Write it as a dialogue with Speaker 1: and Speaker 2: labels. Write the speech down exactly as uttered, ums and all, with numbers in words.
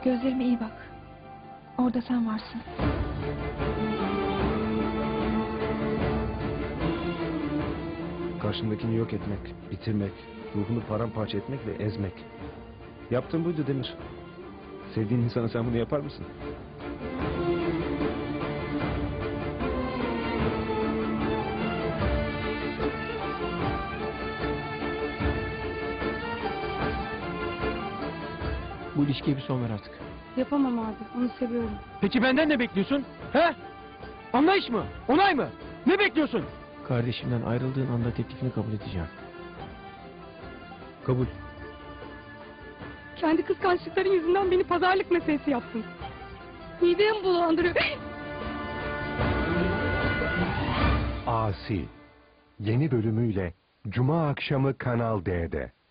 Speaker 1: Gözlerime iyi bak. Orada sen varsın.
Speaker 2: Karşındakini yok etmek, bitirmek, ruhunu paramparça etmek ve ezmek. Yaptığın buydu Demir. Sevdiğin insana sen bunu yapar mısın?
Speaker 3: Bu ilişkiye bir son ver artık.
Speaker 4: Yapamam abi. Onu seviyorum.
Speaker 3: Peki benden ne bekliyorsun? He? Anlayış mı? Onay mı? Ne bekliyorsun? Kardeşimden ayrıldığın anda teklifini kabul edeceğim.
Speaker 2: Kabul.
Speaker 4: Kendi kıskançlıkların yüzünden beni pazarlık meselesi yaptın. Midemi bulandırıyor.
Speaker 5: Asi yeni bölümüyle Cuma akşamı Kanal D'de.